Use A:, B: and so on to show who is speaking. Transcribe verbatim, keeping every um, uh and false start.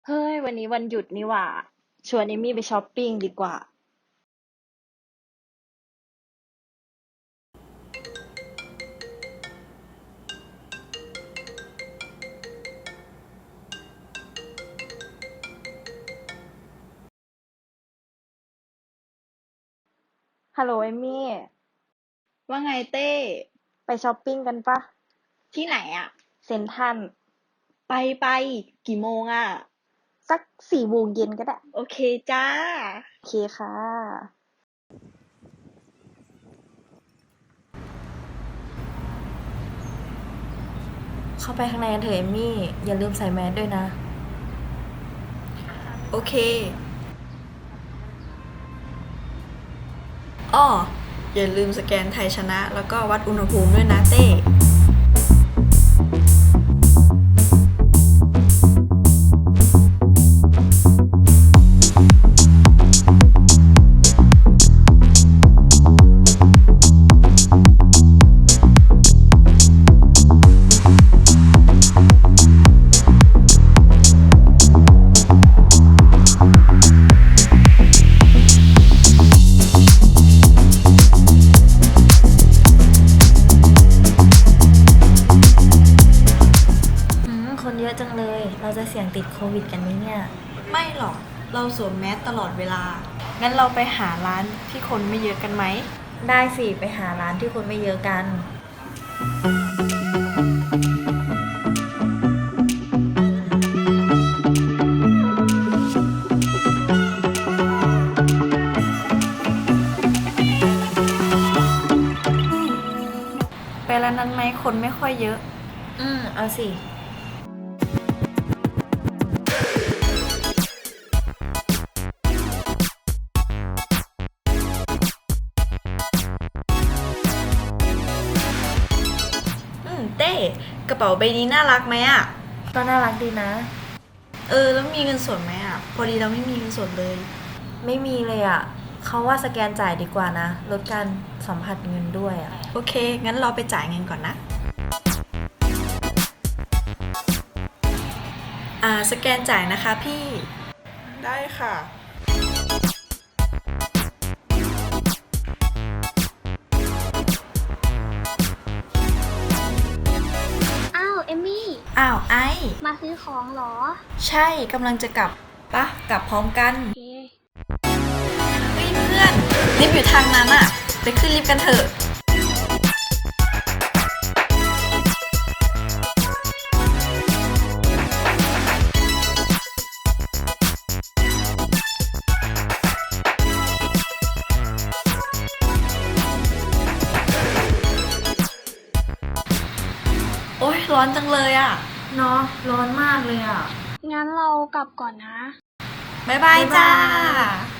A: เฮ้ยวันนี้วันหยุดนี่หว่าชวนเอมมี่ไปช้อปปิ้งดีกว่าฮัลโหลเอมมี่
B: ว่าไงเต้
A: ไปช้อปปิ้งกันปะ
B: ที่ไหนอะ
A: เซ็นทรัล
B: ไปไปกี่โมงอะ
A: สักสี่โมงเย็นก็ได้
B: โอเคจ้า
A: โอเคค่ะ
C: เข้าไปข้างในกันเถอะเอมมี่อย่าลืมใส่แมสด้วยนะ
B: โอเคอ้ออย่าลืมสแกนไทยชนะแล้วก็วัดอุณหภูมิด้วยนะเต้
C: หืมคนเยอะจังเลยเราจะเสี่ยงติดโควิดกันไหมเนี่ย
B: ไม่หรอกเราสวมแมสตลอดเวลางั้นเราไปหาร้านที่คนไม่เยอะกันไหม
C: ได้สิไปหาร้านที่คนไม่เยอะกัน
B: ไปร้านนั้นไหมคนไม่ค่อยเยอะ
C: อืมเอาสิ
B: อืมเต้กระเป๋าใบนี้น่ารักไหมอะ
C: ก็น่ารักดีนะ
B: เออแล้วมีเงินสดไหมอะพอดีเราไม่มีเงินสดเลย
C: ไม่มีเลยอ่ะเขาว่าสแกนจ่ายดีกว่านะลดการสัมผัสเงินด้วยอ่ะ
B: โอเคงั้นเราไปจ่ายเงินก่อนนะอ่าสแกนจ่ายนะคะพี่ได้ค่ะ
D: อ้าวเอมมี่
B: อ้าวไอ
D: มาซื้อของเหรอ
B: ใช่กำลังจะกลับปะกลับพร้อมกัน
D: โอเค
B: เฮ้ยเพื่อนลิฟต์อยู่ทางนั้นอะไปขึ้นลิฟต์กันเถอะโอ๊ยร้อนจังเลยอะ
C: เนาะร้อนมากเลยอ่ะ
D: งั้นเรากลับก่อนนะ
B: บ๊ายบายจ้า